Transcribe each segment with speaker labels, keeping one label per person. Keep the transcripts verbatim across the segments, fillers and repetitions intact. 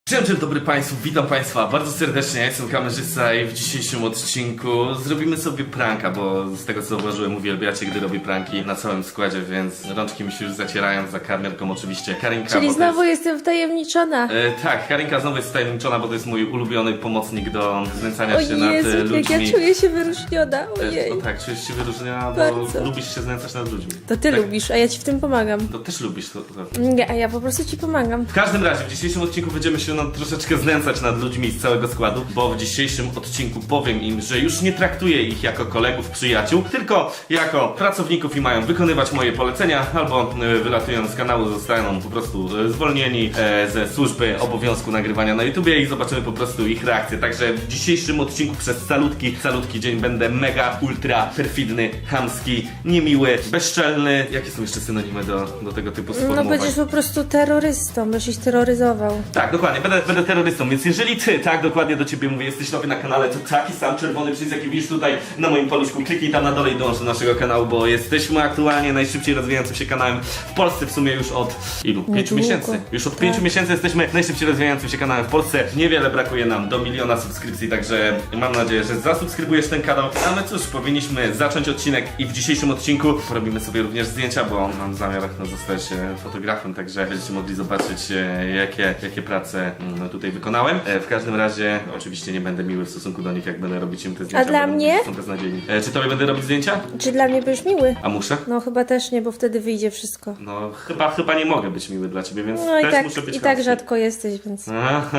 Speaker 1: Dzień dobry, dobry Państwu, witam Państwa bardzo serdecznie, ja jestem kamerzysta i w dzisiejszym odcinku zrobimy sobie pranka, bo z tego co zauważyłem uwielbiacie, gdy robię pranki na całym składzie, więc rączki mi się już zacierają, za kamerką oczywiście Karinka.
Speaker 2: Czyli znowu
Speaker 1: jest...
Speaker 2: jestem wtajemniczona.
Speaker 1: E, tak, Karinka znowu jest wtajemniczona, bo to jest mój ulubiony pomocnik do znęcania
Speaker 2: O
Speaker 1: się
Speaker 2: Jezu,
Speaker 1: nad e,
Speaker 2: jak
Speaker 1: ludźmi.
Speaker 2: ja czuję się wyróżniona,
Speaker 1: E,
Speaker 2: ojej.
Speaker 1: no tak, czujesz się wyróżniona, bo
Speaker 2: Bardzo.
Speaker 1: lubisz się znęcać nad ludźmi.
Speaker 2: To ty
Speaker 1: tak,
Speaker 2: lubisz, a ja ci w tym pomagam.
Speaker 1: To też lubisz to. to.
Speaker 2: Nie, a ja po prostu ci pomagam.
Speaker 1: W każdym razie, w dzisiejszym odcinku będziemy się no, troszeczkę znęcać nad ludźmi z całego składu, bo w dzisiejszym odcinku powiem im, że już nie traktuję ich jako kolegów, przyjaciół, tylko jako pracowników i mają wykonywać moje polecenia, albo y, wylatują z kanału, zostaną po prostu y, zwolnieni e, ze służby obowiązku nagrywania na YouTubie i zobaczymy po prostu ich reakcję. Także w dzisiejszym odcinku przez calutki, calutki dzień będę mega, ultra, perfidny, chamski, niemiły, bezczelny. Jakie są jeszcze synonimy do, do tego typu
Speaker 2: No
Speaker 1: sformułowań?
Speaker 2: będziesz po prostu terrorystą, będziesz ich terroryzował.
Speaker 1: Tak, dokładnie, będę, będę terrorystą, więc jeżeli ty, tak, dokładnie do ciebie mówię, jesteś nowy na kanale, to taki sam czerwony przycisk, jaki widzisz tutaj na moim paluszku, kliknij tam na dole i dołącz do naszego kanału, bo jesteśmy aktualnie najszybciej rozwijającym się kanałem w Polsce w sumie już od ilu? Pięciu
Speaker 2: Niedługo.
Speaker 1: miesięcy. Już od
Speaker 2: Tak.
Speaker 1: pięciu miesięcy jesteśmy najszybciej rozwijającym się kanałem w Polsce. Niewiele brakuje nam do miliona subskrypcji, także mam nadzieję, że zasubskrybujesz ten kanał. A my cóż, powinniśmy zacząć odcinek i w dzisiejszym odcinku porobimy sobie również zdjęcia, bo mam zamiar no, zostać e, fotografem, także będziecie mogli zobaczyć e, jakie, jakie prace mm, tutaj wykonałem. E, w każdym razie oczywiście nie będę miły w stosunku do nich, jak będę robić im te zdjęcia.
Speaker 2: dla
Speaker 1: bo
Speaker 2: mnie?
Speaker 1: Są beznadziejni. E, czy tobie będę robić zdjęcia?
Speaker 2: Czy dla mnie będziesz miły?
Speaker 1: A muszę?
Speaker 2: No chyba też nie, bo wtedy wyjdzie wszystko.
Speaker 1: No chyba, chyba nie mogę być miły dla ciebie, więc
Speaker 2: No i
Speaker 1: też
Speaker 2: tak,
Speaker 1: muszę być
Speaker 2: i tak
Speaker 1: chamski.
Speaker 2: rzadko jesteś, więc...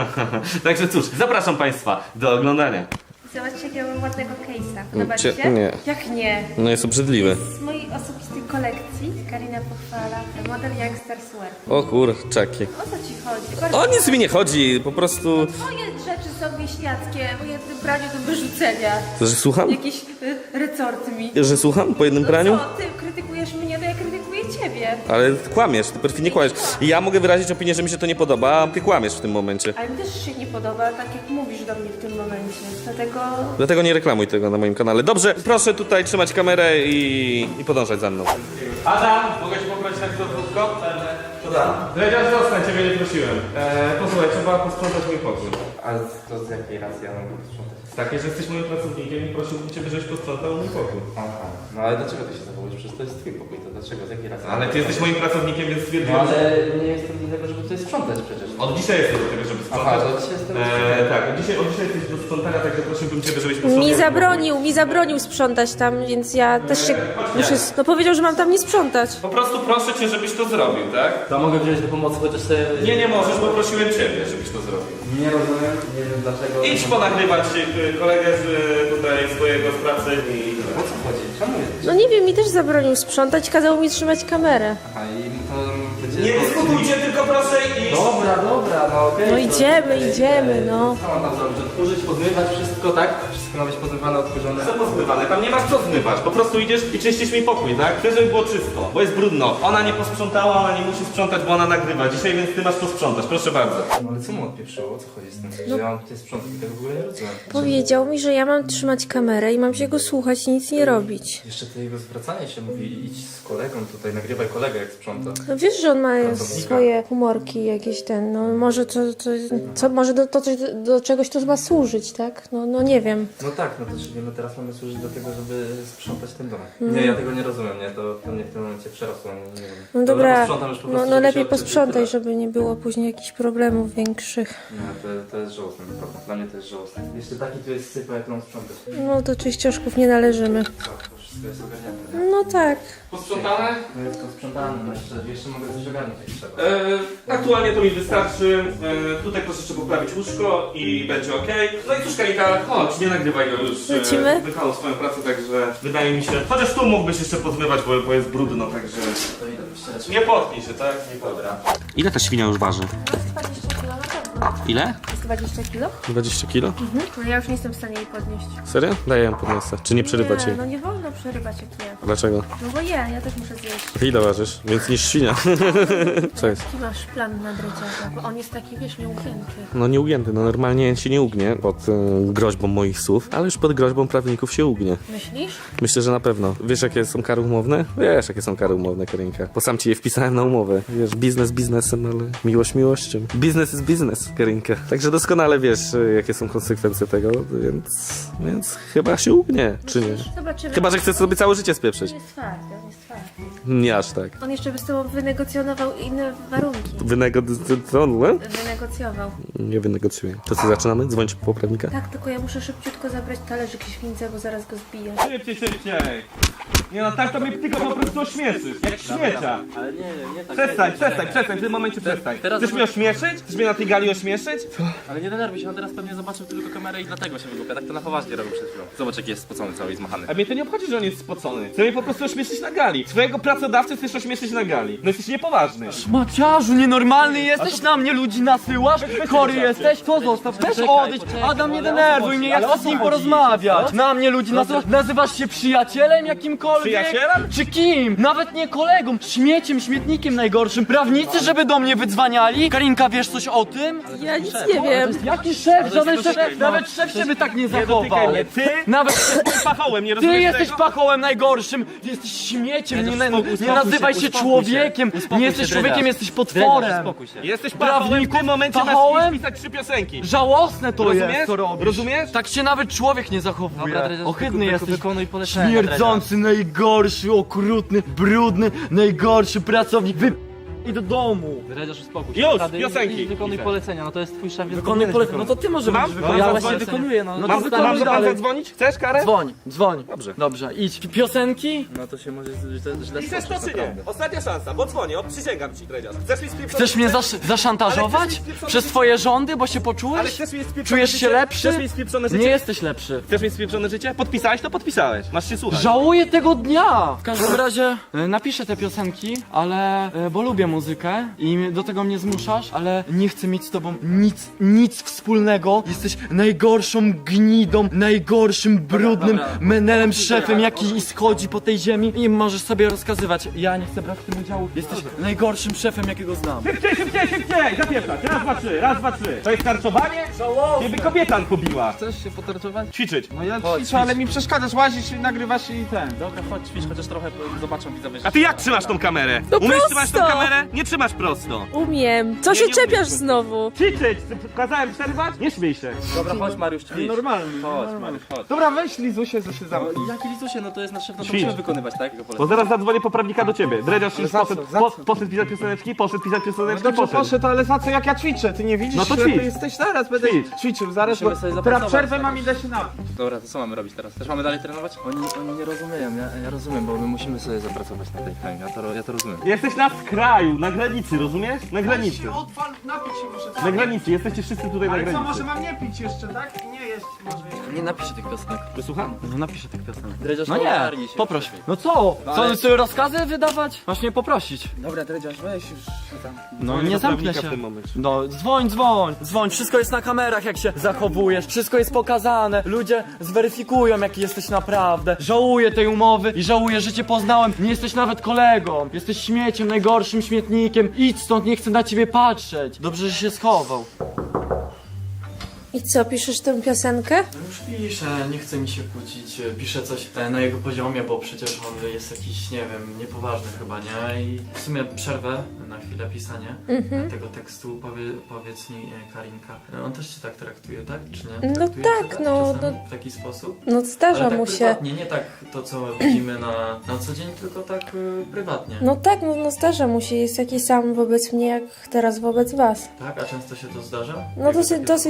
Speaker 1: Także cóż, zapraszam Państwa do oglądania.
Speaker 3: Zobaczcie, jakiego mam ładnego case'a. Podoba
Speaker 1: Cie-
Speaker 3: ci się?
Speaker 1: nie.
Speaker 3: Jak nie?
Speaker 1: No jest obrzydliwy.
Speaker 3: Z mojej osobistej kolekcji Karina pochwala model Youngsters Wear.
Speaker 1: O kurczaki.
Speaker 3: O co ci chodzi? Bardzo
Speaker 1: O nic mi nie chodzi, po prostu...
Speaker 3: Twoje rzeczy są wieśniackie, po jednym praniu do wyrzucenia.
Speaker 1: Że słucham?
Speaker 3: Jakieś y, resorty mi.
Speaker 1: Że słucham po jednym
Speaker 3: No
Speaker 1: praniu?
Speaker 3: co, ty krytykujesz mnie, to ja krytykuję ciebie.
Speaker 1: Ale kłamiesz, ty perfidnie kłamiesz. Ja mogę wyrazić opinię, że mi się to nie podoba, a ty kłamiesz w tym momencie.
Speaker 3: Ale mi też się nie podoba, tak jak mówisz do mnie w tym momencie. Dlatego...
Speaker 1: Dlatego nie reklamuj tego na moim kanale. Dobrze, proszę tutaj trzymać kamerę i, i podążać za mną. Adam, mogę cię poprosić na krótko? Co tam? Dredziarz, zostań, ciebie nie prosiłem. Eee, posłuchaj, trzeba posprzątać mój pokój.
Speaker 4: Ale to z jakiej racji ja mam posprzątać?
Speaker 1: Takie, że jesteś moim pracownikiem i prosiłbym ciebie, żebyś posprzątał mój pokój.
Speaker 4: Aha. No ale dlaczego ty się zachowujesz? Przecież to jest twój pokój, to dlaczego? Z jakiej racji?
Speaker 1: Ale ty jesteś moim pracownikiem, więc
Speaker 4: No
Speaker 1: stwierdziłem,
Speaker 4: ale
Speaker 1: że...
Speaker 4: nie jestem do tego, żeby tutaj sprzątać przecież.
Speaker 1: Od dzisiaj jestem do tego, żeby
Speaker 4: Aha,
Speaker 1: sprzątać.
Speaker 4: to dzisiaj jestem...
Speaker 1: Eee, tak, od dzisiaj, od dzisiaj jesteś do sprzątania, także prosiłbym ciebie, żebyś posprzątał.
Speaker 2: Mi zabronił, mi zabronił sprzątać tam, więc ja też się muszę... No powiedział, że mam tam nie sprzątać.
Speaker 1: Po prostu proszę cię, żebyś to zrobił, tak?
Speaker 4: To mogę wziąć do pomocy, chociaż sobie...
Speaker 1: Nie, nie możesz, bo prosiłem ciebie, żebyś to zrobił.
Speaker 4: Nie rozumiem, nie wiem dlaczego...
Speaker 1: Idź ponagrywać y, kolegę z y, tutaj swojego z pracy i...
Speaker 4: O co chodzi? Czemu jest?
Speaker 2: No nie wiem, mi też zabronił sprzątać, kazał mi trzymać kamerę.
Speaker 4: Aha, i to będzie...
Speaker 1: Nie dyskutujcie, tylko proszę iść!
Speaker 4: Dobra, dobra, no okej.
Speaker 2: No
Speaker 4: to-
Speaker 2: idziemy,
Speaker 4: okej,
Speaker 2: idziemy,
Speaker 4: okej.
Speaker 2: no.
Speaker 4: Co mam tam zrobić? Odkurzyć, pozmywać wszystko, tak? Wszystko ma być pozmywane, odkurzone.
Speaker 1: Co pozmywane? Tam nie masz co zmywać, po prostu idziesz i czyścisz mi pokój, tak? Chcę, żeby było czysto, bo jest brudno. Ona nie posprzątała, ona nie musi sprzątać, bo ona nagrywa dzisiaj, więc ty masz posprzątać, proszę bardzo.
Speaker 4: No ale co mu odpieprzyło? O co chodzi z tym? Że ja mam tutaj sprzątać i tego w ogóle nie rozumiem.
Speaker 2: Powiedział mi, że ja mam trzymać kamerę i mam się go słuchać i nic nie robić.
Speaker 4: Jeszcze to jego zwracanie się mówi, idź z kolegą tutaj, nagrywaj kolegę jak sprząta.
Speaker 2: No wiesz, że on ma
Speaker 4: Pracownika.
Speaker 2: swoje humorki jakieś ten, no może to, to co, może do, to, coś- do czegoś to ma służyć, tak? No, no nie wiem.
Speaker 4: No tak, no to czyli my teraz mamy służyć do tego, żeby sprzątać ten dom. Nie, ja tego nie rozumiem, nie, to, to mnie w tym momencie przerosło, nie, nie wiem.
Speaker 2: No dobra,
Speaker 4: posprzątam już po
Speaker 2: no,
Speaker 4: prostu,
Speaker 2: no
Speaker 4: żeby
Speaker 2: lepiej
Speaker 4: się odczyć,
Speaker 2: posprzątaj,
Speaker 4: tyle.
Speaker 2: żeby nie było później jakichś problemów większych.
Speaker 4: Nie, to, to jest żałosne, naprawdę. Dla mnie to jest żałosne. Jeszcze taki tu jest sypa, jak mam sprzątać.
Speaker 2: No do czyścioszków nie należymy.
Speaker 4: Co, to wszystko jest ogarnięte, nie?
Speaker 2: No tak.
Speaker 1: Posprzątane?
Speaker 4: No jest to sprzątane, no jeszcze, jeszcze mogę coś ogarnąć jak trzeba.
Speaker 1: E, aktualnie to mi wystarczy. E, tutaj proszę jeszcze poprawić łóżko i będzie ok. No i cóż, Karika, chodź, nie nagrywaj go już.
Speaker 2: Lecimy?
Speaker 1: E, wykonał swoją pracę, także wydaje mi się. Chociaż tu mógłbyś jeszcze pozmywać, bo, bo jest brudno, także.
Speaker 4: To idę wyścierać.
Speaker 1: Nie potknij się, tak? Nie podra. Ile ta świnia już waży?
Speaker 2: dwadzieścia kilo na pewno.
Speaker 1: Ile?
Speaker 3: dwadzieścia kilo.
Speaker 1: dwadzieścia kilo?
Speaker 3: No ja już nie jestem w stanie jej podnieść.
Speaker 1: Serio? Daję ją podniosę. Czy nie przerywać
Speaker 3: Nie,
Speaker 1: jej?
Speaker 3: no nie wolno przerywać jak nie.
Speaker 1: Dlaczego?
Speaker 3: No bo ja, ja też muszę zjeść.
Speaker 1: Ile ważysz? Więc niż świnia. Co jest?
Speaker 3: Jaki masz plan na dreciarza? Bo on jest taki, wiesz, nieugięty.
Speaker 1: No nieugięty, no normalnie się nie ugnie pod y, groźbą moich słów, ale już pod groźbą prawników się ugnie.
Speaker 3: Myślisz?
Speaker 1: Myślę, że na pewno. Wiesz, jakie są kary umowne? Wiesz, jakie są kary umowne, Karinka. Bo sam ci je wpisałem na umowę. Wiesz, biznes biznesem, ale miłość miłością. Biznes jest biznes, Karinka. Także doskonale wiesz, y, jakie są konsekwencje tego, więc... Więc chyba się ugnie, czy nie?
Speaker 3: Myślisz? Zobaczymy.
Speaker 1: Chyba, że chcesz sobie całe życie
Speaker 3: On
Speaker 1: spieprzyć.
Speaker 3: jest twardy, on jest twardy.
Speaker 1: Nie aż tak.
Speaker 3: On jeszcze by z tobą wynegocjonował inne warunki.
Speaker 1: Wynegocjował?
Speaker 3: Wynegocjował.
Speaker 1: Nie wynegocjuję. To co, zaczynamy? Dzwonić po poprawnika?
Speaker 3: Tak, tylko ja muszę szybciutko zabrać talerzyk świńca, bo zaraz go zbiję.
Speaker 1: Szybciej, szybciej! Nie no, tak to mnie tylko po prostu ośmieszysz, jak śmiecia.
Speaker 4: Ale nie, nie, nie tak.
Speaker 1: Przestań,
Speaker 4: nie,
Speaker 1: przestań,
Speaker 4: nie,
Speaker 1: przestań, w tym momencie przestań.
Speaker 4: teraz
Speaker 1: Chcesz mnie ośmieszyć? Chcesz mnie na tej gali ośmieszyć?
Speaker 4: Ale nie denerwuj się, on teraz pewnie zobaczył tylko kamerę i dlatego się wygłupia. Tak to na poważnie robił przed chwilą. Zobacz jaki jest spocony cały i zmachany.
Speaker 1: A mnie to nie obchodzi, że on jest spocony. Chcę mnie po prostu ośmieszyć na gali. Swojego pracodawcę chcesz ośmieszyć na gali. No jesteś niepoważny.
Speaker 5: Maciarzu, nienormalny jesteś, na mnie ludzi nasyłasz? Chory jesteś? To zostaw, też odejdź. Adam, nie denerwuj mnie, ja chcę z nim porozmawiać. Na mnie ludzi nasyłasz? Nazywasz się przyjacielem jakimkolwiek?
Speaker 1: Przyjacielem?
Speaker 5: Czy kim? Nawet nie kolegą, śmieciem, śmietnikiem najgorszym. Prawnicy, żeby do mnie wydzwaniali? Karinka, wiesz coś o tym?
Speaker 2: Ja nic nie wiem.
Speaker 5: Jaki szef? Żaden szef, nawet szef się by tak nie zachował.
Speaker 1: mnie. Ty?
Speaker 5: Nawet szef.
Speaker 1: Pachołem, nie
Speaker 5: Ty
Speaker 1: rozumiesz
Speaker 5: jesteś
Speaker 1: tego?
Speaker 5: pachołem najgorszym, ty jesteś śmieciem, nie, na,
Speaker 4: uspokój
Speaker 5: nie
Speaker 4: się,
Speaker 5: nazywaj się
Speaker 4: uspokój się.
Speaker 5: człowiekiem,
Speaker 4: Uspokój
Speaker 5: nie
Speaker 4: się,
Speaker 5: jesteś
Speaker 4: Dredziarz.
Speaker 5: człowiekiem, jesteś potworem.
Speaker 4: Uspokój się.
Speaker 1: Jesteś pachołem, w
Speaker 5: Prawniku,
Speaker 1: tym momencie
Speaker 5: pachołem?
Speaker 1: masz pisać trzy piosenki.
Speaker 5: Żałosne to
Speaker 1: Rozumiesz?
Speaker 5: jest, co robisz.
Speaker 1: Rozumiesz?
Speaker 5: Tak się nawet człowiek nie zachowuje.
Speaker 4: Dobra, Dredziarz,
Speaker 5: Ohydny
Speaker 4: wyku-
Speaker 5: jesteś,
Speaker 4: wykonuj polecenia,
Speaker 5: śmierdzący, najgorszy, okrutny, brudny, najgorszy pracownik. Wy... I do domu.
Speaker 4: Dredziarz, uspokój się.
Speaker 1: Już,
Speaker 4: Naprawdę,
Speaker 1: piosenki.
Speaker 4: i Wykonuj
Speaker 1: Piszę.
Speaker 4: polecenia, no to jest twój szef, więc
Speaker 5: Wykonuj
Speaker 4: powinieneś
Speaker 5: polecenie. No
Speaker 4: wykonać.
Speaker 5: to ty może
Speaker 1: Mam?
Speaker 5: będziesz
Speaker 1: Mam
Speaker 5: wykonać
Speaker 4: Ja
Speaker 1: za-
Speaker 4: właśnie
Speaker 1: polecenie.
Speaker 4: wykonuję, no.
Speaker 5: No
Speaker 4: no
Speaker 5: to
Speaker 1: Mam,
Speaker 5: wykonuj
Speaker 1: mam za pan
Speaker 5: dalej.
Speaker 1: zadzwonić? Chcesz karę?
Speaker 5: Dzwoń, dzwoń.
Speaker 1: Dobrze.
Speaker 5: Dobrze, idź. Piosenki?
Speaker 4: No to się może źle, źle
Speaker 1: Chcesz to
Speaker 4: skończyć,
Speaker 1: czy nie?
Speaker 4: naprawdę.
Speaker 1: Ostatnia szansa, bo dzwonię, o, przysięgam ci, Dredziarz. Chcesz mi spieprzony
Speaker 5: Chcesz mnie
Speaker 1: życie?
Speaker 5: zasz zaszantażować?
Speaker 1: Ale chcesz mi spieprzone
Speaker 5: Przez
Speaker 1: życie?
Speaker 5: twoje rządy, bo się
Speaker 1: Ale
Speaker 5: poczułeś?
Speaker 1: chcesz mi spieprzone
Speaker 5: Czujesz
Speaker 1: życie?
Speaker 5: się lepszy?
Speaker 1: Chcesz mi spieprzone życie?
Speaker 5: Nie jesteś lepszy.
Speaker 1: Chcesz mi spieprzone życie? Podpisałeś, to podpisałeś. Masz się słuchać.
Speaker 5: Żałuję tego dnia! W każdym razie e, napiszę te piosenki, ale e, bo lubię muzykę i mnie- do tego mnie zmuszasz, ale nie chcę mieć z tobą nic, nic wspólnego. Jesteś najgorszą gnidą, najgorszym, brudnym
Speaker 4: dobra.
Speaker 5: menelem, szefem, jaki schodzi po tej ziemi i możesz sobie rozkazywać. Ja nie chcę brać w tym udziału. Jesteś najgorszym szefem, jakiego znam.
Speaker 1: Szybciej, szybciej, szybciej! Zapieprzać! Raz, dwa, trzy, raz, dwa, trzy. To jest tarczowanie? Ciebie kobieta pobiła.
Speaker 4: Chcesz się potarczować?
Speaker 1: Ćwiczyć.
Speaker 6: No ja
Speaker 4: Chodź,
Speaker 6: ćwiczę, ale mi przeszkadzasz, łazisz, nagrywasz i ten.
Speaker 4: Dobra, chodź, ćwicz, chociaż trochę zobaczą widzowie.
Speaker 1: A ty jak trzymasz tą kamerę?
Speaker 2: No
Speaker 1: Umiesz
Speaker 2: prosto.
Speaker 1: trzymać tą kamerę? Nie trzymasz prosto.
Speaker 2: Umiem. Co
Speaker 1: Nie,
Speaker 2: się
Speaker 1: nie
Speaker 2: czepiasz
Speaker 1: umiesz.
Speaker 2: znowu?
Speaker 1: Ćwiczyć! Kazałem przerwać? Nie śmiej się.
Speaker 4: Dobra, chodź Mariusz, ćwicz.
Speaker 6: Normalny.
Speaker 4: Chodź Mariusz, chodź.
Speaker 6: Dobra, weź Lizusie, co się zamknij.
Speaker 4: Jaki licusie, no to jest nasz szef, no to
Speaker 1: Ćwicz.
Speaker 4: musimy wykonywać, tak? Jego
Speaker 1: Bo
Speaker 4: polecenia.
Speaker 1: zaraz zadzwonię poprawnika do ciebie. Dredziarz
Speaker 6: Ale
Speaker 1: już
Speaker 6: za co?
Speaker 1: poszedł,
Speaker 6: Za
Speaker 1: po,
Speaker 6: co?
Speaker 1: poszedł pisać pioseneczki, poszedł pisać
Speaker 6: No
Speaker 1: pioseneczki,
Speaker 6: dobrze,
Speaker 1: poszedł.
Speaker 6: poszedł, ale za co jak ja ćwiczę? Ty nie widzisz,
Speaker 1: No to
Speaker 6: ślepy
Speaker 1: ćwicz.
Speaker 6: jesteś teraz, będę
Speaker 1: Ćwicz.
Speaker 6: ćwiczył, zaraz,
Speaker 4: Musimy
Speaker 6: bo
Speaker 4: sobie
Speaker 6: teraz
Speaker 4: zapracować,
Speaker 6: przerwę
Speaker 4: tak.
Speaker 6: mam, idę się napić.
Speaker 4: Dobra, to co mamy robić teraz? Też mamy dalej trenować? Oni, oni nie rozumieją, ja, ja rozumiem, bo my musimy sobie zapracować na tej chemii, ja to, ja to rozumiem.
Speaker 1: Jesteś na skraju, na granicy, rozumiesz? Na granicy.
Speaker 6: Odpal, napić się muszę.
Speaker 1: Na granicy, jesteście wszyscy tutaj na
Speaker 6: Ale co, może
Speaker 1: granicy.
Speaker 6: mam nie pić jeszcze, tak? I nie jeść może jeszcze.
Speaker 5: Nie napiszę tych piosenek.
Speaker 1: Wysłucham?
Speaker 5: No napiszę tych piosenek.
Speaker 4: Dredziarz,
Speaker 5: No nie,
Speaker 4: ogarnij się.
Speaker 5: poproś. No co? Co,
Speaker 4: ale-
Speaker 5: sobie rozkazy wydawać? Masz mnie poprosić.
Speaker 6: Dobra, Dredziarz, weź już tam.
Speaker 5: No
Speaker 1: Dzwonię
Speaker 5: nie
Speaker 1: do
Speaker 5: zamknę
Speaker 1: prawnika
Speaker 5: się.
Speaker 1: w tym momencie.
Speaker 5: No dzwoń, dzwoń, dzwoń, wszystko jest na kamerach jak się zachowujesz, wszystko jest pokazane, ludzie zweryfikują jaki jesteś naprawdę. Żałuję tej umowy i żałuję, że cię poznałem, nie jesteś nawet kolegą, jesteś śmieciem, najgorszym śmietnikiem, idź stąd, nie chcę na ciebie patrzeć. Dobrze, że się schował.
Speaker 2: I co, piszesz tę piosenkę?
Speaker 5: No już piszę, nie chce mi się kłócić, piszę coś e, na jego poziomie, bo przecież on jest jakiś, nie wiem, niepoważny chyba, nie? I w sumie przerwę na chwilę pisanie tego tekstu, Powie, powiedz mi e, Karinka, e, on też cię tak traktuje, tak? Czy nie?
Speaker 2: No
Speaker 5: Traktuje
Speaker 2: tak,
Speaker 5: cię tak
Speaker 2: no,
Speaker 5: czasami
Speaker 2: no.
Speaker 5: w taki sposób?
Speaker 2: No zdarza
Speaker 5: Ale tak
Speaker 2: mu się.
Speaker 5: prywatnie, nie tak to co widzimy na, na co dzień, tylko tak e, prywatnie.
Speaker 2: No tak, no, no zdarza mu się. Jest taki sam wobec mnie, jak teraz wobec was.
Speaker 5: Tak? A często się to zdarza?
Speaker 2: No
Speaker 5: Jakby
Speaker 2: dosyć,
Speaker 5: takie
Speaker 2: dosyć
Speaker 5: zachowanie?
Speaker 2: często.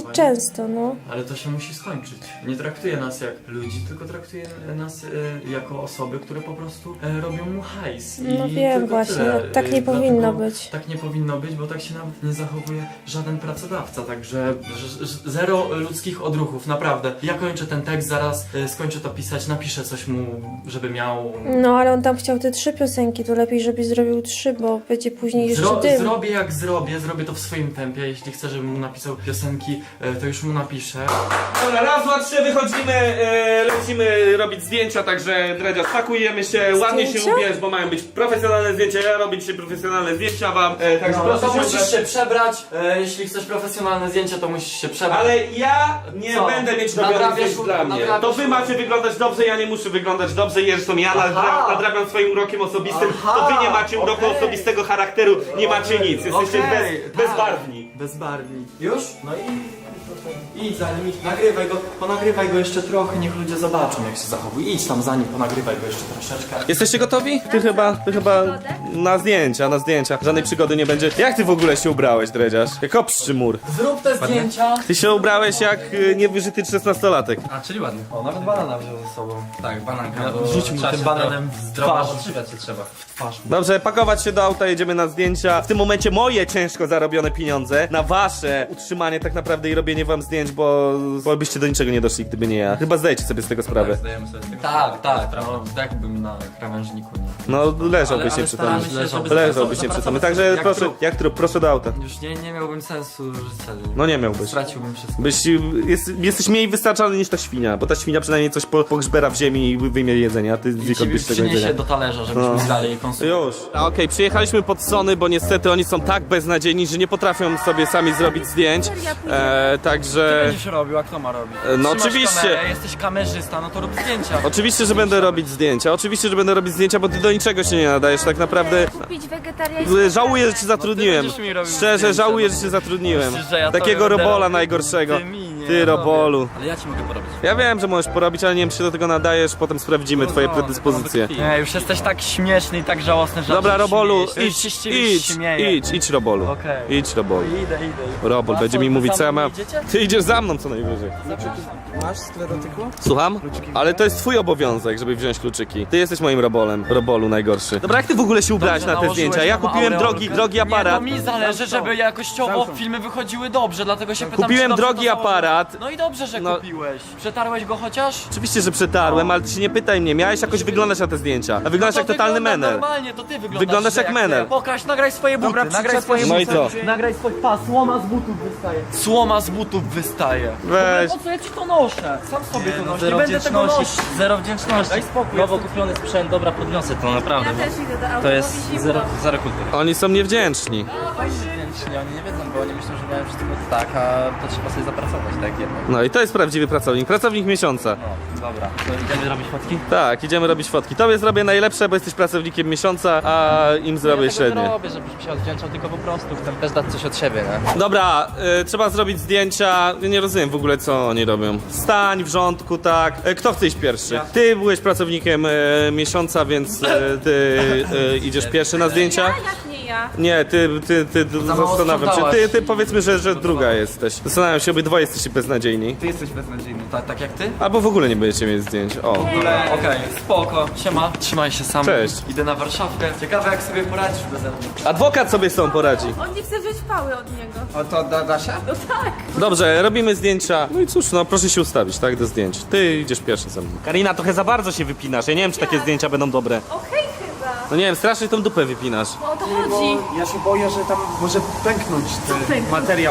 Speaker 2: to, no.
Speaker 5: Ale to się musi skończyć. Nie traktuje nas jak ludzi, tylko traktuje nas e, jako osoby, które po prostu e, robią mu hajs. I
Speaker 2: No wiem
Speaker 5: tylko
Speaker 2: właśnie,
Speaker 5: tyle.
Speaker 2: no, tak nie
Speaker 5: E,
Speaker 2: powinno
Speaker 5: dlatego
Speaker 2: być.
Speaker 5: Tak nie powinno być, bo tak się nawet nie zachowuje żaden pracodawca, także ż- ż- zero ludzkich odruchów, naprawdę. Ja kończę ten tekst, zaraz e, skończę to pisać, napiszę coś mu, żeby miał...
Speaker 2: No, ale on tam chciał te trzy piosenki, to lepiej, żebyś zrobił trzy, bo będzie później jeszcze
Speaker 5: Zro-
Speaker 2: dym.
Speaker 5: zrobię jak zrobię, zrobię to w swoim tempie. Jeśli chcę, żebym mu napisał piosenki, e, to już mu napiszę.
Speaker 1: Dobra, raz, dwa, trzy, wychodzimy, e, lecimy robić zdjęcia, także Dredziarz, pakujemy się, ładnie się
Speaker 2: Zdjęcia?
Speaker 1: ubierz, bo mają być profesjonalne zdjęcia, ja robić się profesjonalne zdjęcia wam, e, także
Speaker 5: No,
Speaker 1: proszę
Speaker 5: to
Speaker 1: się
Speaker 5: musisz
Speaker 1: ubrać.
Speaker 5: się przebrać. E, jeśli chcesz profesjonalne zdjęcie, to musisz się przebrać.
Speaker 1: Ale ja nie
Speaker 5: Co?
Speaker 1: będę mieć robionych
Speaker 5: Nadrabiasz
Speaker 1: zdjęć
Speaker 5: u-
Speaker 1: dla mnie.
Speaker 5: nadrabiasz
Speaker 1: To wy
Speaker 5: u-
Speaker 1: macie wyglądać dobrze, ja nie muszę wyglądać dobrze, zresztą ja nadra- nadrabiam swoim urokiem osobistym,
Speaker 5: Aha,
Speaker 1: to wy nie macie uroku
Speaker 5: okej.
Speaker 1: osobistego charakteru, nie macie nic, jesteście
Speaker 5: Okej,
Speaker 1: bez,
Speaker 5: tak.
Speaker 1: bezbarwni.
Speaker 5: Bezbarwni. Już? No i... Idź za nim, idź, nagrywaj go, ponagrywaj go jeszcze trochę, niech ludzie zobaczą jak się zachowuje. Idź tam za nim, ponagrywaj go jeszcze troszeczkę.
Speaker 1: Jesteście gotowi? Ty chyba, ty chyba na zdjęcia, na zdjęcia. Żadnej przygody nie będzie. Jak ty w ogóle się ubrałeś, Dredziarz? Jak obszczy mur.
Speaker 5: Zrób te zdjęcia.
Speaker 1: Ty się ubrałeś jak y, niewyżyty szesnastolatek.
Speaker 4: A, czyli ładnie.
Speaker 5: O, nawet banana wziął ze sobą.
Speaker 4: Tak, bananka.
Speaker 5: No,
Speaker 4: bo
Speaker 5: rzuć mu
Speaker 4: trzeba
Speaker 5: tym
Speaker 4: się
Speaker 5: bananem
Speaker 4: zdrowo-
Speaker 5: w
Speaker 4: Zdrowo
Speaker 5: twarz.
Speaker 4: odżywiać się trzeba.
Speaker 5: Twarz.
Speaker 1: Dobrze, pakować się do auta, jedziemy na zdjęcia. W tym momencie moje ciężko zarobione pieniądze na wasze utrzymanie tak naprawdę i robienie wam zdjęć, bo, bo byście do niczego nie doszli, gdyby nie ja. Chyba zdajecie sobie z tego sprawę.
Speaker 4: Zdajemy sobie z tego
Speaker 5: Tak, tak,
Speaker 4: sprawę.
Speaker 5: no jakbym na krawężniku nie.
Speaker 1: No leżałbyś
Speaker 4: Ale- ale
Speaker 1: nieprzytomny.
Speaker 4: staramy się, żeby
Speaker 1: Leżałbyś
Speaker 4: zapracować-
Speaker 1: nieprzytomny.
Speaker 4: zapracować
Speaker 1: Także
Speaker 5: jak
Speaker 1: proszę,
Speaker 5: trup.
Speaker 1: jak trup, proszę do auta.
Speaker 5: Już nie, nie miałbym sensu życia.
Speaker 1: No nie miałbyś.
Speaker 5: Straciłbym wszystko.
Speaker 1: Byś, jest, jesteś mniej wystarczalny niż ta świnia, bo ta świnia przynajmniej coś po, pogrzbera w ziemi i wyjmie jedzenie, a ty
Speaker 5: I
Speaker 1: znikąd
Speaker 5: ci
Speaker 1: byś tego
Speaker 5: przyniesie
Speaker 1: jedzenia.
Speaker 5: do talerza, żebyśmy
Speaker 1: No.
Speaker 5: dalej konsumowali.
Speaker 1: Już. Okej, przyjechaliśmy pod Sony, bo niestety oni są tak beznadziejni, że nie potrafią sobie sami zrobić zdjęć. E, także...
Speaker 5: Będziesz robił, a kto ma robić?
Speaker 1: No
Speaker 5: Trzymasz
Speaker 1: oczywiście.
Speaker 5: Kamerę, jesteś kamerzysta, no to rób zdjęcia.
Speaker 1: Oczywiście, że będę robić zdjęcia. Oczywiście, że będę robić zdjęcia, bo ty do niczego się nie nadajesz. Tak naprawdę
Speaker 3: Kupić wegetariańskie
Speaker 1: żałuję, że cię zatrudniłem.
Speaker 5: będziesz mi robił
Speaker 1: Szczerze,
Speaker 5: zdjęcia,
Speaker 1: żałuję,
Speaker 5: no.
Speaker 1: że cię zatrudniłem.
Speaker 5: Myślisz, że ja
Speaker 1: Takiego
Speaker 5: tobie będę
Speaker 1: robola
Speaker 5: robił?
Speaker 1: najgorszego.
Speaker 5: Ty mi nie,
Speaker 1: Ty
Speaker 5: ja
Speaker 1: robolu.
Speaker 4: Ale ja ci mogę porobić.
Speaker 1: Ja wiem, że możesz porobić, ale nie wiem, czy się do tego nadajesz. Potem sprawdzimy twoje
Speaker 4: no,
Speaker 1: predyspozycje.
Speaker 4: tylko
Speaker 5: Nie, już jesteś tak śmieszny i tak żałosny, że
Speaker 1: Dobra,
Speaker 5: aż się
Speaker 1: Robolu,
Speaker 5: śmiejesz.
Speaker 1: idź,
Speaker 5: Już się z ciebie
Speaker 1: idź,
Speaker 5: śmieję.
Speaker 1: idź, idź, Robolu.
Speaker 5: Okej.
Speaker 1: Idź, Robolu.
Speaker 5: Idę, idę.
Speaker 1: Robol
Speaker 5: A
Speaker 1: będzie
Speaker 5: co,
Speaker 1: mi
Speaker 5: wy
Speaker 1: mówić,
Speaker 5: za
Speaker 1: co ja
Speaker 5: mną
Speaker 1: mam.
Speaker 5: idziecie?
Speaker 1: Ty idziesz za mną co najwyżej.
Speaker 6: Masz sklerotyku?
Speaker 1: Słucham? Ale to jest twój obowiązek, żeby wziąć kluczyki. Ty jesteś moim robolem. Robolu najgorszy. Dobra, jak ty w ogóle się ubrałeś
Speaker 5: Dobrze,
Speaker 1: na te
Speaker 5: nałożyłeś
Speaker 1: zdjęcia? Ja
Speaker 5: na
Speaker 1: kupiłem
Speaker 5: aureolkę.
Speaker 1: drogi, drogi
Speaker 5: Nie,
Speaker 1: aparat.
Speaker 5: no mi zależy, żeby jakościowo filmy wychodziły dobrze, dlatego się pytam,
Speaker 1: Kupiłem
Speaker 5: czy dobrze
Speaker 1: drogi
Speaker 5: to założyłeś.
Speaker 1: aparat.
Speaker 5: No i dobrze, że
Speaker 1: No.
Speaker 5: kupiłeś. Przetarłeś go chociaż?
Speaker 1: Oczywiście, że przetarłem, ale ty się nie pytaj mnie. Miałeś jakoś wyglądać na te zdjęcia. A wyglądasz
Speaker 5: No
Speaker 1: jak
Speaker 5: to
Speaker 1: totalny
Speaker 5: wyglądam
Speaker 1: menel.
Speaker 5: normalnie, to ty wyglądasz
Speaker 1: Wyglądasz
Speaker 5: źle
Speaker 1: jak menel.
Speaker 5: ty. Pokaż, nagraj swoje buty,
Speaker 6: Dobra,
Speaker 5: nagraj
Speaker 6: przyczep
Speaker 5: swoje
Speaker 6: się
Speaker 1: No
Speaker 5: buty.
Speaker 1: i co?
Speaker 5: Nagraj swoje... Pa, słoma z butów wystaje. Słoma z butów wystaje.
Speaker 1: Weź.
Speaker 5: Po co ja ci to noszę? Sam sobie to noszę, nie
Speaker 4: Zero
Speaker 5: będę tego nosić.
Speaker 4: wdzięczności. Zero wdzięczności.
Speaker 5: Daj spokój.
Speaker 4: Nowo kupiony sprzęt, dobra, podniosę to naprawdę.
Speaker 3: Ja też idę do auta,
Speaker 4: To
Speaker 3: bo
Speaker 4: jest
Speaker 3: mi zimno.
Speaker 4: zero, zero kultury.
Speaker 1: Oni są niewdzięczni.
Speaker 4: Wdzięczni, oni nie wiedzą, bo oni myślą, że mają wszystko tak, a to trzeba sobie zapracować, tak jednak.
Speaker 1: No i to jest prawdziwy pracownik. Pracownik miesiąca.
Speaker 4: No, dobra. To idziemy robić fotki?
Speaker 1: Tak, idziemy robić fotki. Tobie zrobię najlepsze, bo jesteś pracownikiem miesiąca, a im zrobię
Speaker 4: ja tego nie
Speaker 1: średnie.
Speaker 4: robię, żebyś się odwdzięczał, tylko po prostu chcę też dać coś od siebie, nie?
Speaker 1: Dobra, y, trzeba zrobić zdjęcia. Ja nie rozumiem w ogóle, co oni robią. Stań w rządku, tak. Y, kto chce iść pierwszy? Ty byłeś pracownikiem y, miesiąca, więc y, ty y, idziesz pierwszy na zdjęcia.
Speaker 3: Ja? Jak nie ja?
Speaker 1: Nie, ty, ty, ty, ty
Speaker 5: mało
Speaker 1: zastanawiam się.
Speaker 5: sprzątałaś.
Speaker 1: Ty, ty powiedzmy, że, że druga jesteś. Zastanawiam się, obydwoje jesteście beznadziejni.
Speaker 6: Ty jesteś beznadziejny.
Speaker 5: Tak, tak jak ty?
Speaker 1: Albo w ogóle nie będziecie mieć zdjęć. O.
Speaker 5: Okej, spoko. Siema, trzymaj się sam.
Speaker 1: Cześć.
Speaker 5: Idę na Warszawkę. Ciekawe jak sobie poradzisz beze mnie.
Speaker 1: Adwokat sobie z tą poradzi.
Speaker 3: On nie chce wziąć pały od niego.
Speaker 6: O to da, da się?
Speaker 3: No tak.
Speaker 1: Dobrze, robimy zdjęcia. No i cóż, no proszę się ustawić, tak, do zdjęć. Ty idziesz pierwszy ze mną. Karina, trochę za bardzo się wypinasz. Ja nie wiem, czy takie zdjęcia będą dobre.
Speaker 3: Okej chyba.
Speaker 1: No nie wiem, strasznie tą dupę wypinasz.
Speaker 3: No o to
Speaker 6: Bo
Speaker 3: chodzi.
Speaker 6: ja się boję, że tam może pęknąć ten
Speaker 3: pęknąć?
Speaker 6: materiał.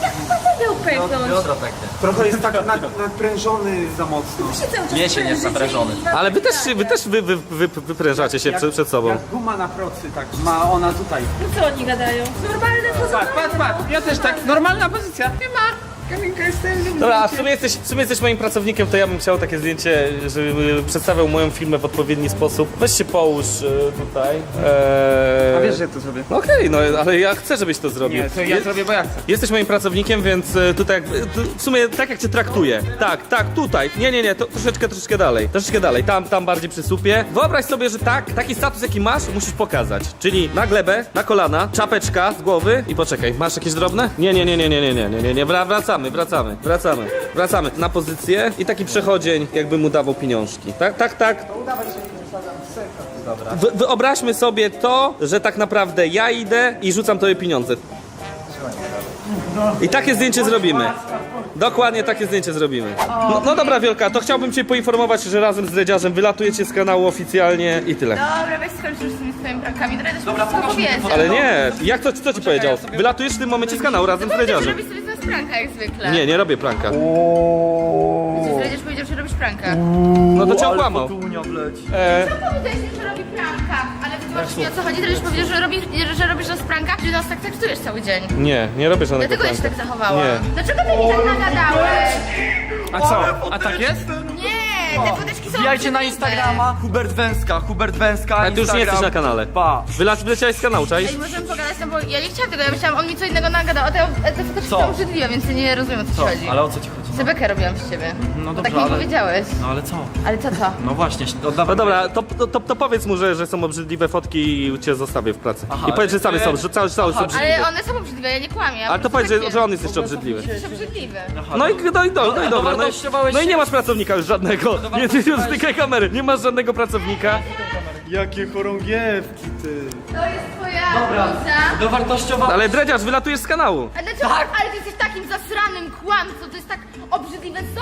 Speaker 3: Będę upęknąć.
Speaker 4: Biodro pęknie.
Speaker 6: Trochę jest tak nad, nadprężony za mocno.
Speaker 3: Się cały czas
Speaker 4: Mięsień jest
Speaker 3: prężycie
Speaker 4: naprężony.
Speaker 3: i-
Speaker 1: Ale wy też, wy też wy, wy, wy, wyprężacie się przed, przed sobą.
Speaker 6: Jak guma na procy, tak. Ma ona tutaj.
Speaker 3: No co oni gadają? Normalne to
Speaker 6: Patrz, patrz, patrz. Ja też tak. Normalna pozycja. Nie ma. Kaminka jest ten.
Speaker 1: Dobra, a w sumie, jesteś, w sumie jesteś moim pracownikiem, to ja bym chciał takie zdjęcie, żeby przedstawiał moją firmę w odpowiedni sposób. Weź się połóż e, tutaj. Eee...
Speaker 6: A wiesz, że ja to zrobię?
Speaker 1: No okej, no ale ja chcę, żebyś to zrobił.
Speaker 6: Nie, to ja zrobię, bo ja chcę.
Speaker 1: Jesteś moim pracownikiem, więc e, tutaj jakby, tu, w sumie tak jak cię traktuję. Tak, tak, tutaj. Nie, nie, nie, to troszeczkę, troszeczkę dalej. Troszeczkę dalej, tam, tam bardziej przy słupie. Wyobraź sobie, że tak, taki status jaki masz, musisz pokazać. Czyli na glebę, na kolana, czapeczka z głowy i poczekaj, masz jakieś drobne? Nie, nie, nie, nie, nie, nie, nie, nie, nie, nie, wracamy. wracamy, wracamy, wracamy. Wracamy na pozycję i taki przechodzień, jakby mu dawał pieniążki. Tak, tak, tak. Wy, wyobraźmy sobie to, że tak naprawdę ja idę i rzucam tobie pieniądze. I takie zdjęcie zrobimy. Dokładnie takie zdjęcie zrobimy. No, no dobra, Wiolka, to chciałbym cię poinformować, że razem z Dredziarzem wylatujecie z kanału oficjalnie i tyle.
Speaker 3: Dobra, weź skończ już z tymi swoimi prankami. Dredziarz
Speaker 5: Dobra,
Speaker 3: mi wszystko
Speaker 5: pokaż mi te
Speaker 3: powiedział.
Speaker 1: Ale nie, jak to, co ci powiedział? Wylatujesz w tym momencie z kanału razem z Dredziarzem.
Speaker 3: Robisz sobie teraz pranka jak zwykle.
Speaker 1: Nie, nie robię pranka.
Speaker 3: Dredziarz powiedział, że robisz pranka.
Speaker 1: No to cię
Speaker 5: Ale
Speaker 1: okłamał.
Speaker 5: fotunia wleci.
Speaker 1: E,
Speaker 3: Powiedziałeś mi, że robi pranka, ale wytłumacz mi o co chodzi. Dredziarz powiedział, że, robi, że robisz nas pranka, że nas tak traktujesz cały dzień.
Speaker 1: nie, nie robię żadnego
Speaker 3: Dlatego ja się
Speaker 1: pranka.
Speaker 3: tak zachowałam.
Speaker 1: Nie.
Speaker 3: Dlaczego ty mi tak nagadałeś?
Speaker 6: A co? A tak jest?
Speaker 3: Nie, te foteczki są
Speaker 5: Wbijajcie na
Speaker 3: obrzydliwe.
Speaker 5: Instagrama, Hubert Węska, Hubert Węska,
Speaker 1: Ale ty już nie jesteś na kanale.
Speaker 5: Pa.
Speaker 1: Wyla- Wyleciałeś z kanału, czaisz?
Speaker 3: Ej, możemy pogadać, no bo ja nie chciałam tego, ja myślałam, on mi co innego nagadał, a te, te foteczki
Speaker 5: Co?
Speaker 3: są obrzydliwe, więc ja nie rozumiem o co,
Speaker 5: Co?
Speaker 3: ci chodzi.
Speaker 5: Ale o co ci chodzi?
Speaker 3: Zebekę robiłam z ciebie.
Speaker 5: No
Speaker 3: Tak
Speaker 5: dobrze,
Speaker 3: mi
Speaker 5: ale...
Speaker 3: powiedziałeś.
Speaker 5: No ale co?
Speaker 3: Ale co to?
Speaker 5: No właśnie, oddawaj.
Speaker 1: No dobra, to, to, to, to powiedz mu, że, że są obrzydliwe fotki i cię zostawię w pracy.
Speaker 5: Aha,
Speaker 1: I powiedz, że same
Speaker 5: ale-
Speaker 1: są, że cały, cały są
Speaker 5: Aha,
Speaker 1: obrzydliwe.
Speaker 3: Ale one są obrzydliwe, ja nie kłamię. Ja
Speaker 1: Ale to
Speaker 3: po prostu
Speaker 1: powiedz, że,
Speaker 3: tak
Speaker 1: że on
Speaker 3: wiem.
Speaker 1: jest jeszcze obrzydliwy.
Speaker 3: Jesteś obrzydliwy.
Speaker 5: Aha,
Speaker 1: No i no, i- no, i- no, i dobra, no i,
Speaker 5: dowartościowałeś
Speaker 1: no i nie
Speaker 5: się.
Speaker 1: masz pracownika już żadnego. Nie, ty już stykaj kamery, nie masz żadnego pracownika.
Speaker 7: Jakie chorągiewki, ty.
Speaker 3: To jest twoja bluza.
Speaker 5: Dowartościowa...
Speaker 1: Ale Dredziarz, wylatujesz z kanału.
Speaker 3: A dlaczego? Ale ty jesteś takim zasranym kłamcą, to jest tak obrzydliwe, co?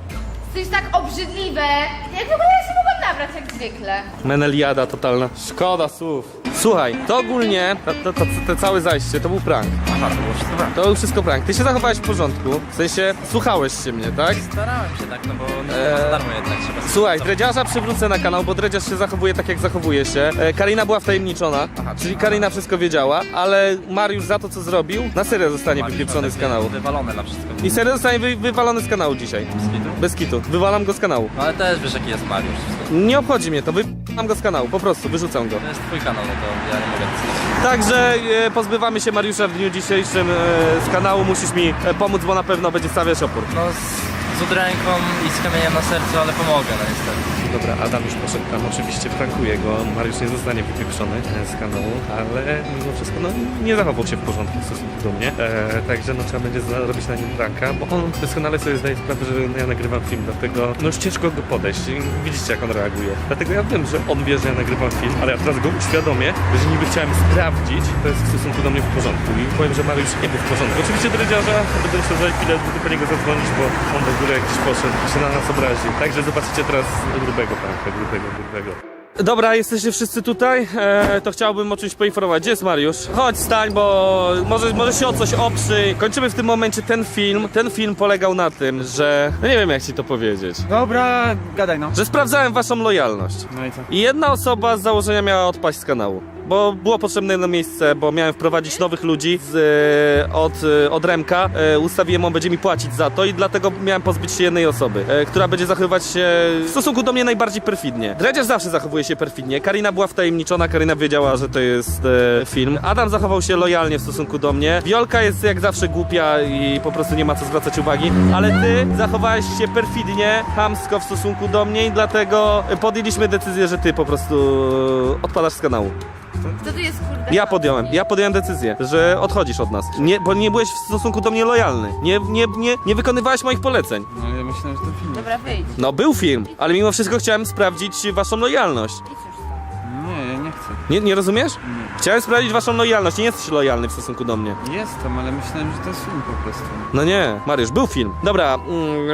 Speaker 3: To jest tak obrzydliwe. Jak w ogóle ja się mogłam nabrać jak zwykle.
Speaker 1: Meneliada totalna. Szkoda słów. Słuchaj, to ogólnie, to, to, to, to całe zajście, to był prank.
Speaker 4: Aha, to było wszystko prank.
Speaker 1: To był wszystko prank. Ty się zachowałeś w porządku, w sensie słuchałeś się mnie, tak?
Speaker 4: Starałem się tak, no bo nie
Speaker 1: Eee,
Speaker 4: za darmo jednak trzeba...
Speaker 1: Słuchaj, Dredziarza przywrócę na kanał, bo Dredziarz się zachowuje tak, jak zachowuje się. E, Karina była wtajemniczona, czyli Karina wszystko wiedziała, ale Mariusz za to, co zrobił, na serio zostanie wypieprzony z kanału.
Speaker 4: Wywalone na wszystko.
Speaker 1: I serio zostanie wy, wywalony z kanału dzisiaj.
Speaker 4: Skitu?
Speaker 1: Bez kitu. Wywalam go z kanału.
Speaker 4: No ale też wiesz jaki jest Mariusz. Wszystko.
Speaker 1: Nie obchodzi mnie to, wywalam go z kanału, po prostu, wyrzucam go.
Speaker 4: To jest twój kanał, no to ja nie mogę decydować.
Speaker 1: Także e, pozbywamy się Mariusza w dniu dzisiejszym e, z kanału, musisz mi e, pomóc, bo na pewno będzie stawiać opór.
Speaker 4: No z, z udręką i z kamieniem na sercu, ale pomogę, no niestety.
Speaker 1: Dobra, Adam już poszedł tam, oczywiście prankuje go, Mariusz nie zostanie wypieprzony e, z kanału, ale mimo wszystko no, nie zachował się w porządku w stosunku do mnie, e, także no trzeba będzie zrobić na nim pranka, bo on doskonale sobie zdaje sprawę, że ja nagrywam film, dlatego no już ciężko go podejść, I widzicie jak on reaguje, dlatego ja wiem, że on wie, że ja nagrywam film, ale ja teraz go uświadomię, że niby chciałem sprawdzić, to jest w stosunku do mnie w porządku i powiem, że Mariusz nie był w porządku. Oczywiście Dredziarza będę musiał za chwilę do niego zadzwonić, bo on w ogóle jakiś poszedł i się na nas obraził, także zobaczycie teraz grubego pranka, grubego, grubego. Dobra, jesteście wszyscy tutaj, e, to chciałbym o czymś poinformować. Gdzie jest Mariusz? Chodź, stań, bo może, może się o coś oprzyj. Kończymy w tym momencie ten film. Ten film polegał na tym, że... No nie wiem jak ci to powiedzieć.
Speaker 6: Dobra, gadaj no.
Speaker 1: Że sprawdzałem waszą lojalność.
Speaker 6: No i co?
Speaker 1: I jedna osoba z założenia miała odpaść z kanału. Bo było potrzebne jedno miejsce, bo miałem wprowadzić nowych ludzi z, e, od, e, od Remka. E, ustawiłem, on będzie mi płacić za to i dlatego miałem pozbyć się jednej osoby, e, która będzie zachowywać się w stosunku do mnie najbardziej perfidnie. Dredziarz zawsze zachowuje się perfidnie. Karina była wtajemniczona, Karina wiedziała, że to jest e, film. Adam zachował się lojalnie w stosunku do mnie. Wiolka jest jak zawsze głupia i po prostu nie ma co zwracać uwagi. Ale ty zachowałeś się perfidnie, chamsko w stosunku do mnie i dlatego podjęliśmy decyzję, że ty po prostu odpadasz z kanału.
Speaker 3: Kto tu jest kurde?
Speaker 1: Ja podjąłem, ja podjąłem decyzję, że odchodzisz od nas. Nie, bo nie byłeś w stosunku do mnie lojalny. Nie, nie, nie, nie wykonywałeś moich poleceń.
Speaker 6: No ja myślałem, że to film.
Speaker 3: Dobra, wyjdź.
Speaker 1: No był film, ale mimo wszystko chciałem sprawdzić waszą lojalność.
Speaker 3: Idź już.
Speaker 6: Nie, ja nie chcę.
Speaker 1: Nie, nie rozumiesz? Chciałem sprawdzić waszą lojalność, nie jesteś lojalny w stosunku do mnie.
Speaker 6: Jestem, ale myślałem, że to jest film po prostu.
Speaker 1: No nie, Mariusz, był film. Dobra, mm,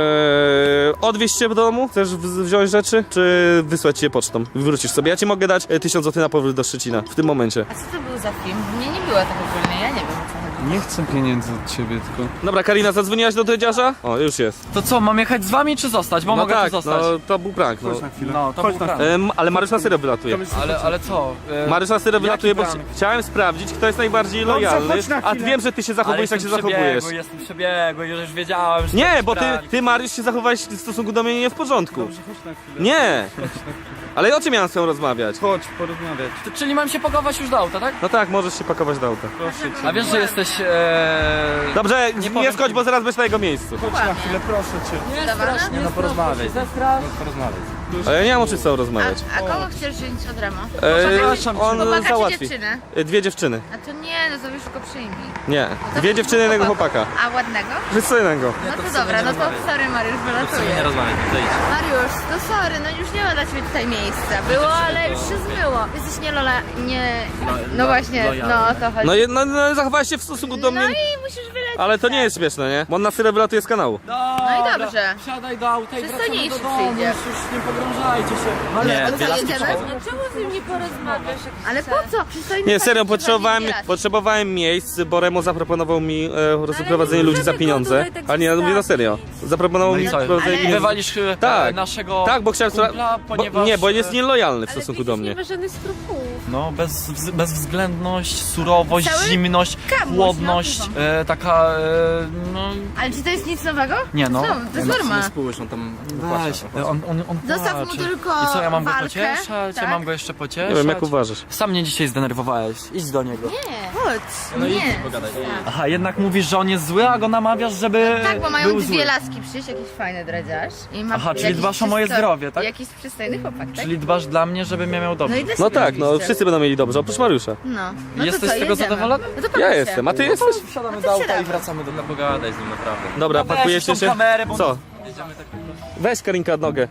Speaker 1: ee, odwieźć cię do domu? Chcesz w- wziąć rzeczy? Czy wysłać cię pocztą? Wrócisz sobie. Ja ci mogę dać e, tysiąc złotych na powrót do Szczecina w tym momencie.
Speaker 3: A co to był za film? Mnie nie było tak ogólnie, ja nie wiem o co chodzi.
Speaker 6: Nie chcę pieniędzy od ciebie, tylko...
Speaker 1: Dobra, Karina, zadzwoniłaś do Dredziarza? O, już jest.
Speaker 5: To co, mam jechać z wami czy zostać? Bo
Speaker 1: No
Speaker 5: mogę
Speaker 1: tak,
Speaker 5: tu zostać.
Speaker 1: no to był prank. No.
Speaker 6: Chodź na chwilę.
Speaker 5: No, to
Speaker 6: Chodź
Speaker 5: był
Speaker 6: na
Speaker 5: prank.
Speaker 6: chwilę.
Speaker 1: Em, ale Mariusz na serio wylatuje.
Speaker 5: Ale, ale co? E,
Speaker 1: Mariusz na serio wylatuje, bo
Speaker 5: prank?
Speaker 1: chci- chciałem sprawdzić, kto jest najbardziej
Speaker 6: Dobrze,
Speaker 1: lojalny,
Speaker 6: chodź na
Speaker 1: a
Speaker 6: chwilę.
Speaker 1: wiem, że ty się zachowujesz, jak się
Speaker 5: jestem
Speaker 1: zachowujesz.
Speaker 5: przebiegły, jestem przebiegły, już wiedziałem, że to
Speaker 1: Nie,
Speaker 5: jest
Speaker 1: bo ty,
Speaker 5: prank.
Speaker 1: ty Mariusz się zachowałeś w stosunku do mnie nie w porządku.
Speaker 6: Dobrze, chodź na chwilę.
Speaker 1: Nie! Ale o czym miałem z tą rozmawiać?
Speaker 6: Chodź, porozmawiać.
Speaker 5: To, czyli mam się pakować już do auta, tak?
Speaker 1: No tak, możesz się pakować do auta.
Speaker 6: Proszę cię.
Speaker 5: A wiesz, że jesteś... E...
Speaker 1: Dobrze, nie,
Speaker 5: powiem
Speaker 1: schodź,
Speaker 5: ci.
Speaker 1: bo zaraz będziesz na jego miejscu.
Speaker 6: Chodź na chwilę, proszę cię.
Speaker 5: Nie,
Speaker 3: Dawana?
Speaker 5: strasznie,
Speaker 4: No
Speaker 5: no
Speaker 4: porozmawiaj.
Speaker 5: Zestrasz.
Speaker 4: Porozmawiaj.
Speaker 1: Ale ja nie mam o czym z tobą
Speaker 3: A,
Speaker 1: rozmawiać.
Speaker 3: a kogo chcesz wziąć od Remo?
Speaker 1: E, on
Speaker 3: Chłopaka czy
Speaker 1: załatwi.
Speaker 3: dziewczynę?
Speaker 1: E, Dwie dziewczyny.
Speaker 3: A to nie, no to już go przyjmij.
Speaker 1: Nie.
Speaker 3: To
Speaker 1: Dwie dziewczyny, jednego chłopaka.
Speaker 3: A ładnego?
Speaker 1: Przystojnego.
Speaker 3: No to dobra, no to sorry Mariusz,
Speaker 4: W sumie nie
Speaker 3: wylatuję.
Speaker 4: rozmawiaj, to idź.
Speaker 3: Mariusz, to sorry, no już nie ma dla ciebie tutaj miejsca. Było, ale już się zmyło. Jesteś nie Lola, nie... No właśnie, no o to chodzi.
Speaker 1: No, je- no, no zachowałeś się w stosunku do
Speaker 3: No
Speaker 1: mnie.
Speaker 3: i musisz wylecieć.
Speaker 1: Ale to nie jest śmieszne, nie? Bo on na tyle wylatuje z kanału.
Speaker 3: No i dobrze.
Speaker 5: Wsiadaj do auta i wracamy
Speaker 3: Przystojniejszy
Speaker 5: do domu.
Speaker 3: przyjdzie.
Speaker 5: Już, już nie pogrążajcie się.
Speaker 4: Nie,
Speaker 3: Ale
Speaker 4: dwie
Speaker 3: co,
Speaker 4: laski
Speaker 3: jedziemy?
Speaker 4: przychodzą.
Speaker 3: No czemu z nim nie porozmawiasz? Ale po co? Przystojny
Speaker 1: Nie, serio,
Speaker 3: facet
Speaker 1: potrzebowałem,
Speaker 3: prowadzi
Speaker 1: potrzebowałem miejsc, bo Remo zaproponował mi e, rozprowadzenie ludzi za pieniądze. Ale nie, ja mówię na serio. Zaproponował
Speaker 5: No
Speaker 1: mi
Speaker 5: i co?
Speaker 1: rozprowadzenie
Speaker 3: Ale-
Speaker 1: pieniędzy.
Speaker 5: Wywalisz e,
Speaker 1: Tak.
Speaker 5: naszego
Speaker 1: Tak, bo chciałem...
Speaker 5: kumpla,
Speaker 1: bo,
Speaker 5: ponieważ...
Speaker 1: nie, bo jest
Speaker 5: e,
Speaker 1: nielojalny w
Speaker 2: Ale
Speaker 1: stosunku
Speaker 2: przecież
Speaker 1: do
Speaker 2: nie
Speaker 1: mnie.
Speaker 2: ma żadnych skrupułów.
Speaker 5: No, bez, wz- bezwzględność, surowość,
Speaker 3: Cały
Speaker 5: zimność,
Speaker 3: kamuś,
Speaker 5: chłodność,
Speaker 3: no,
Speaker 5: e, taka, e, no...
Speaker 3: Ale czy to jest nic nowego?
Speaker 5: Nie no.
Speaker 3: Co? To jest norma.
Speaker 4: Spójrz, on tam
Speaker 5: Weź,
Speaker 4: wypłaca.
Speaker 5: on, on, on
Speaker 3: Zostaw mu
Speaker 5: płacze.
Speaker 3: tylko
Speaker 5: I co, ja mam go
Speaker 3: walkę,
Speaker 5: pocieszać?
Speaker 3: tak?
Speaker 5: Ja mam go jeszcze pocieszać?
Speaker 1: Nie wiem, jak uważasz.
Speaker 5: Sam mnie dzisiaj zdenerwowałeś. Idź do niego.
Speaker 3: Nie, chodź.
Speaker 4: No idź,
Speaker 3: Nie.
Speaker 4: pogadaj.
Speaker 5: Aha, jednak mówisz, że on jest zły, a go namawiasz, żeby
Speaker 3: Tak, bo mają
Speaker 5: był
Speaker 3: dwie
Speaker 5: zły.
Speaker 3: laski przyjść, jakiś fajny dredziarz. I ma
Speaker 5: Aha, czyli
Speaker 3: jakiś
Speaker 5: dbasz o moje
Speaker 3: przystojny-
Speaker 5: zdrowie, tak?
Speaker 3: Jakiś przystojny chłopak, tak?
Speaker 5: Czyli dbasz dla mnie, żebym ja miał dobrze.
Speaker 3: No i dla
Speaker 1: No
Speaker 3: siebie
Speaker 1: tak, no
Speaker 3: oczywiście.
Speaker 1: wszyscy będą mieli dobrze, oprócz Mariusza.
Speaker 3: No. No
Speaker 5: Jesteś
Speaker 3: to co,
Speaker 5: z tego
Speaker 3: jedziemy.
Speaker 5: zadowolony?
Speaker 3: No to
Speaker 1: Ja
Speaker 3: pakuj się.
Speaker 1: jestem, a ty jesteś?
Speaker 5: Wsiadamy
Speaker 3: No
Speaker 5: do
Speaker 3: to
Speaker 5: auta i
Speaker 3: wsiadamy.
Speaker 5: wracamy do domu.
Speaker 4: No pogadaj z nim, naprawdę.
Speaker 1: Dobra,
Speaker 5: No weź
Speaker 1: pakujecie
Speaker 5: tą
Speaker 1: się?
Speaker 5: kamerę, bo-
Speaker 1: Co?
Speaker 4: Jedziemy tak po prostu.
Speaker 1: Weź Karinka nogę.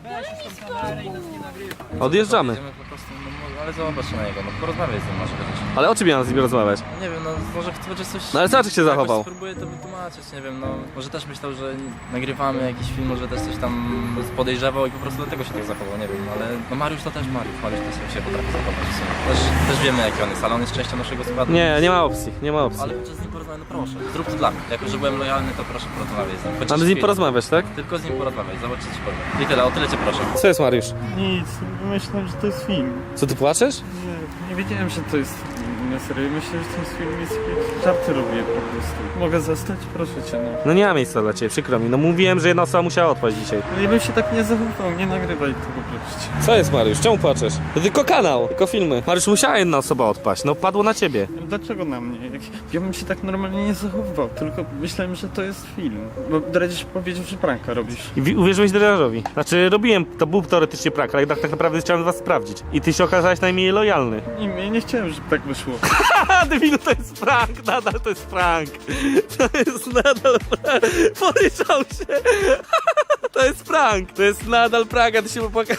Speaker 1: Odjeżdżamy.
Speaker 4: Jedziemy po prostu, no, no, ale zobacz na niego, no porozmawiaj z nim może chociaż.
Speaker 1: Ale o czym ja mam z nim rozmawiać?
Speaker 4: Nie wiem, no może chce chociaż coś...
Speaker 1: No ale zobacz, jak się
Speaker 4: jakoś
Speaker 1: zachował.
Speaker 4: Spróbuję to wytłumaczyć, nie wiem, no może też myślał, że nagrywamy jakiś film, może też coś tam podejrzewał i po prostu dlatego się tak zachował, nie wiem, ale no Mariusz to też Mariusz, Mariusz też się potrafi zachować w sumie. Też, też wiemy jaki on jest, ale on jest częścią naszego składu.
Speaker 1: Nie, nie ma opcji, nie ma opcji.
Speaker 4: Ale chociaż z nim porozmawiaj, no proszę, zrób to dla mnie. Jako, że byłem lojalny, to proszę porozmawiaj z nim. Chociaż
Speaker 1: Mamy z nim
Speaker 4: chwilę.
Speaker 1: porozmawiać, tak?
Speaker 4: Tylko z nim porozmawiaj, zobacz co ci powiem. I tyle, o tyle cię proszę.
Speaker 1: Co jest, Mariusz?
Speaker 7: Nic, myślałem, że to jest film.
Speaker 1: Co, ty płaczesz?
Speaker 7: Nie, nie wiedziałem, że to jest film. Na serio, myślę, że to jest film, jest jakieś żarty robię po prostu. Mogę zostać? Proszę cię, no.
Speaker 1: No nie ma miejsca dla ciebie, przykro mi. No mówiłem, że jedna osoba musiała odpaść dzisiaj.
Speaker 7: Ale ja bym się tak nie zachowywał, nie nagrywaj tego proszę.
Speaker 1: Co jest, Mariusz? Czemu płaczesz? To tylko kanał, tylko filmy. Mariusz, musiała jedna osoba odpaść, no padło na ciebie.
Speaker 7: Dlaczego na mnie? Jak, ja bym się tak normalnie nie zachowywał, tylko myślałem, że to jest film. Bo Dredzisz powiedział, że pranka robisz.
Speaker 1: I wi- uwierzyłeś Dreżarzowi. Znaczy, robiłem, to był teoretycznie prank, ale tak, tak naprawdę chciałem was sprawdzić. I ty się okazałeś najmniej lojalny.
Speaker 7: Nie, ja nie chciałem, żeby tak wyszło.
Speaker 1: Haha, debilu, to jest prank, nadal to jest prank. To jest nadal prank. Poryczał się. To jest prank, to jest nadal prank, a ty się popłakałeś.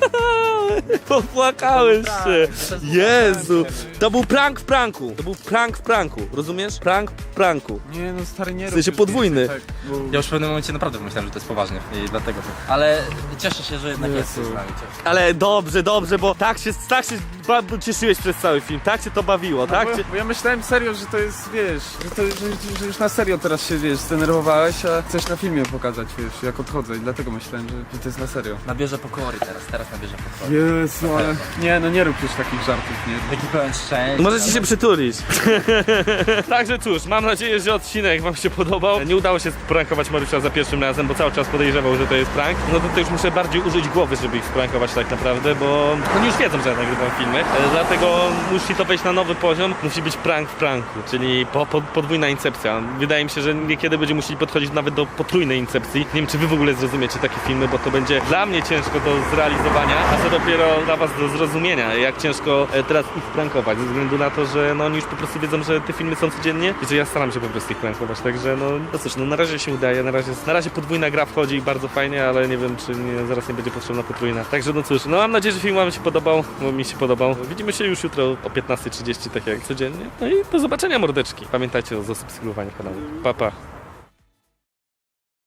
Speaker 1: Popłakałeś się. Jezu, to był prank w pranku. To był prank w pranku, rozumiesz? Prank w pranku.
Speaker 7: Nie no, stary, nie
Speaker 1: W sensie
Speaker 7: rób
Speaker 1: podwójny.
Speaker 7: Tak, bo...
Speaker 4: Ja już w pewnym momencie naprawdę pomyślałem, że to jest poważnie i dlatego to. Ale cieszę się, że jednak jest z nami. Cieszę.
Speaker 1: Ale dobrze, dobrze, bo tak się, tak się ba- cieszyłeś przez cały film, tak cię to bawiło, tak
Speaker 7: Bo,
Speaker 1: cię...
Speaker 7: bo ja myślałem serio, że to jest, wiesz, że, to, że, że już na serio teraz się, wiesz, zdenerwowałeś, a chcesz na filmie pokazać, wiesz, jak odchodzę i dlatego myślałem, że, że to jest na serio.
Speaker 4: Nabierze pokory teraz, teraz nabierze pokory.
Speaker 7: Jezu, ale... Nie, no nie rób już takich żartów, nie.
Speaker 4: Taki pełen szczęścia.
Speaker 1: Możecie się przytulić. Także cóż, mam nadzieję, że odcinek wam się podobał. Nie udało się sprankować Mariusza za pierwszym razem, bo cały czas podejrzewał, że to jest prank. No to, to już muszę bardziej użyć głowy, żeby ich sprankować tak naprawdę, bo oni już wiedzą, że ja nagrywam filmy. E, Dlatego musi to wejść na nowy poziom. Musi być prank w pranku, czyli po, po, podwójna incepcja. Wydaje mi się, że niekiedy będzie musieli podchodzić nawet do potrójnej incepcji. Nie wiem, czy wy w ogóle zrozumiecie takie filmy, bo to będzie dla mnie ciężko do zrealizowania, a co dopiero dla was do zrozumienia, jak ciężko e, teraz ich prankować, ze względu na to, że no, oni już po prostu wiedzą, że te filmy są codziennie i że ja staram się po prostu ich prankować, także no, no cóż, no na razie się udaje, na razie, na razie podwójna gra wchodzi bardzo fajnie, ale nie wiem, czy nie, zaraz nie będzie potrzebna potrójna. Także no cóż, no mam nadzieję, że film wam się podobał, bo mi się podobał. Widzimy się już jutro o piętnasta trzydzieści, tak jak codziennie. No i do zobaczenia, mordeczki. Pamiętajcie o zasubskrybowaniu kanału. Pa, pa.